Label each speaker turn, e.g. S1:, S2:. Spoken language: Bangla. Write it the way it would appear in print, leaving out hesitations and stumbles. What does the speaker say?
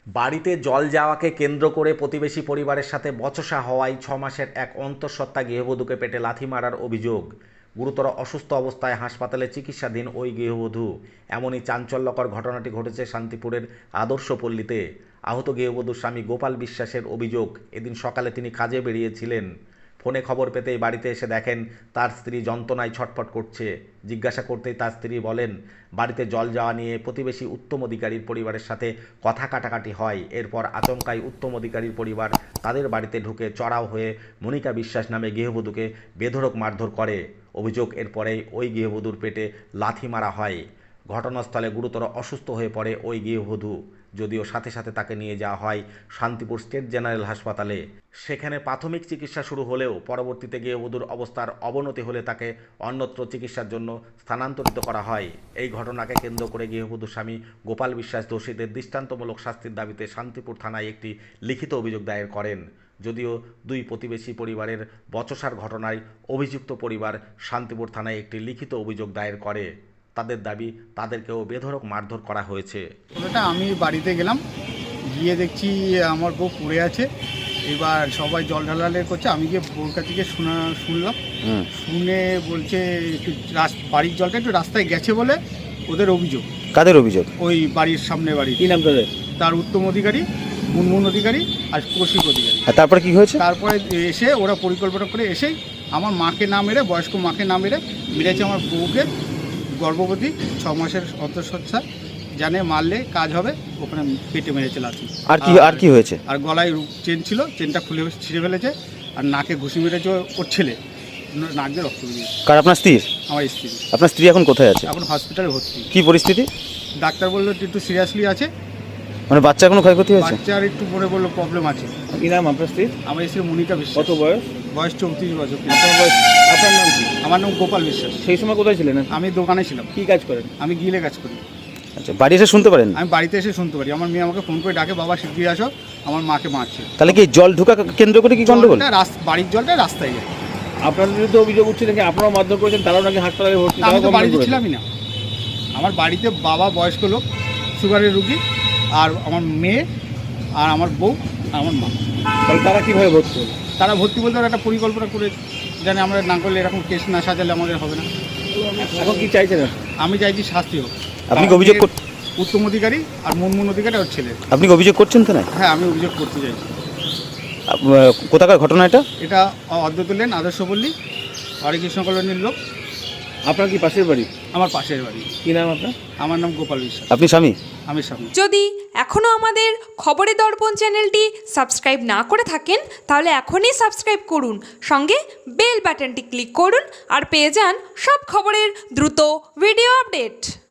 S1: বাড়িতে জল যাওয়াকে কেন্দ্র করে প্রতিবেশী পরিবারের সাথে বচসা হওয়ায় ৬ মাসের এক অন্তঃসত্ত্বা গৃহবধূকে পেটে লাথি মারার অভিযোগ। গুরুতর অসুস্থ অবস্থায় হাসপাতালে চিকিৎসাধীন ওই গৃহবধূ। এমনই চাঞ্চল্যকর ঘটনাটি ঘটেছে শান্তিপুরের আদর্শপল্লীতে। আহত গৃহবধূর স্বামী গোপাল বিশ্বাসের অভিযোগ, এদিন সকালে তিনি কাজে বেরিয়েছিলেন। ফোনে খবর পেতেই বাড়িতে এসে দেখেন তার স্ত্রী যন্ত্রণায় ছটফট করছে। জিজ্ঞাসা করতেই তার স্ত্রী বলেন, বাড়িতে জল যাওয়া নিয়ে প্রতিবেশী উত্তম অধিকারীর পরিবারের সাথে কথা কাটাকাটি হয়। এরপর আচমকাই উত্তম অধিকারীর পরিবার তাদের বাড়িতে ঢুকে চড়াও হয়ে মনিকা বিশ্বাস নামে গৃহবধূকে বেধড়ক মারধর করে। অভিযোগ, এরপরেই ওই গৃহবধূর পেটে লাথি মারা হয়। ঘটনাস্থলে গুরুতর অসুস্থ হয়ে পড়ে ওই গৃহবধূ। যদিও সাথে সাথে তাকে নিয়ে যাওয়া হয় শান্তিপুর স্টেট জেনারেল হাসপাতালে। সেখানে প্রাথমিক চিকিৎসা শুরু হলেও পরবর্তীতে গৃহবধূর অবস্থার অবনতি হলে তাকে অন্যত্র চিকিৎসার জন্য স্থানান্তরিত করা হয়। এই ঘটনাকে কেন্দ্র করে গৃহবধূর স্বামী গোপাল বিশ্বাস দোষীদের দৃষ্টান্তমূলক শাস্তির দাবিতে শান্তিপুর থানায় একটি লিখিত অভিযোগ দায়ের করেন। যদিও দুই প্রতিবেশী পরিবারের বচসার ঘটনায় অভিযুক্ত পরিবার শান্তিপুর থানায় একটি লিখিত অভিযোগ দায়ের করে। তাদের দাবি, তাদেরকেও বেধড়ক মারধর করা হয়েছে।
S2: ওটা আমি বাড়িতে গেলাম, গিয়ে দেখছি আমার বউ পড়ে আছে। এবার সবাই জল ঢালালে করছে, আমি গিয়ে বউর কাছে গিয়ে শুনলাম। শুনে বলছে একটু বাড়ির জলটা একটু রাস্তায় গেছে বলে ওদের অভিযোগ।
S3: কাদের অভিযোগ?
S2: ওই বাড়ির সামনে বাড়ি।
S3: কি নাম তাদের?
S2: তার উত্তম অধিকারী, মুনমুন অধিকারী আর কৌশিক অধিকারী।
S3: তারপরে কি হয়েছে?
S2: তারপরে এসে ওরা পরিকল্পনা করে এসেই আমার মাকে না মেরে, বয়স্ক মাকে না মেরেছে আমার বউকে, গর্ভবতী ৬ মাসের অন্তঃসত্ত্বা, জানে মারলে কাজ হবে, ওখানে পেটে মেরেছে লাথি।
S3: আর কি হয়েছে?
S2: আর গলায় চেন ছিল, চেনটা খুলে ছিঁড়ে ফেলেছে। আর নাকে ঘুষি মেরেছে ওর ছেলে, নাক দিয়ে রক্ত বেরিয়েছে।
S3: কার? আপনার স্ত্রী?
S2: আমার স্ত্রী।
S3: আপনার স্ত্রী এখন কোথায় আছে?
S2: এখন হসপিটালে ভর্তি।
S3: কি পরিস্থিতি?
S2: ডাক্তার বললো একটু সিরিয়াসলি আছে।
S3: মানে বাচ্চা কোনো ক্ষয়ক্ষতি হয়েছে?
S2: বাচ্চার একটু পরে বললো প্রবলেম আছে।
S3: কি নাম আপনার স্ত্রী?
S2: আমার স্ত্রী মনিকা বিশ্বাস।
S3: কত বয়স?
S2: বয়স 34 বছর।
S3: আপনার নাম কি?
S2: আমার নাম গোপাল বিশ্বাস।
S3: সেই সময় কোথায় ছিলেন?
S2: আমি দোকানে ছিলাম।
S3: কি কাজ করেন?
S2: আমি গিলে কাজ করি।
S3: আচ্ছা, বাড়ি এসে শুনতে পারেন?
S2: আমি বাড়িতে এসে শুনতে পারি। আমার মেয়ে আমাকে ফোন করে ডাকে, বাবা শিগগিরই আসো, আমার মাকে মারছে।
S3: তাহলে কি জল ঢোকা কেন্দ্র করে কি গন্ডগোল?
S2: বাড়ির জলটা রাস্তায় যায়।
S3: আপনার বিরুদ্ধে অভিযোগ উঠছে নাকি আপনারাও মারধর করেছেন, তারাও নাকি হাসপাতালে ভর্তি?
S2: আমি তো বাড়িতে ছিলামই না। আমার বাড়িতে বাবা, বয়স্ক লোক, সুগারের রুগী, আর আমার মেয়ে, আর আমার বউ, আর আমার মা।
S3: তাহলে তারা কীভাবে ভর্তি হলো?
S2: তারা ভর্তি বলতে একটা পরিকল্পনা করে, জানে আমরা না করলে, এরকম কেস না সাজালে আমাদের হবে না।
S3: এখন কি চাইছেন?
S2: আমি চাইছি শাস্তি হোক।
S3: আপনি কি অভিযোগ করছেন?
S2: উত্তম অধিকারী আর মুনমুন অধিকারী ওর ছেলে।
S3: আপনি কি অভিযোগ করছেন তো? না,
S2: হ্যাঁ, আমি অভিযোগ করতে চাইছি।
S3: কোথাকার ঘটনা এটা?
S2: এটা অদ্বৈত লেন, আদর্শপল্লী, হরেকৃষ্ণ কলোনির লোক।
S3: আপনার কি পাশের বাড়ি?
S2: আমার পাশের বাড়ি।
S3: কি নাম আপনার?
S2: আমার নাম গোপাল বিশ্বাস।
S3: আপনি স্বামী?
S2: আমি স্বামী।
S4: যদি এখনও আমাদের খবরের দর্পণ চ্যানেলটি সাবস্ক্রাইব না করে থাকেন, তাহলে এখনই সাবস্ক্রাইব করুন, সঙ্গে বেল বাটনটি ক্লিক করুন আর পেয়ে যান সব খবরের দ্রুত ভিডিও আপডেট।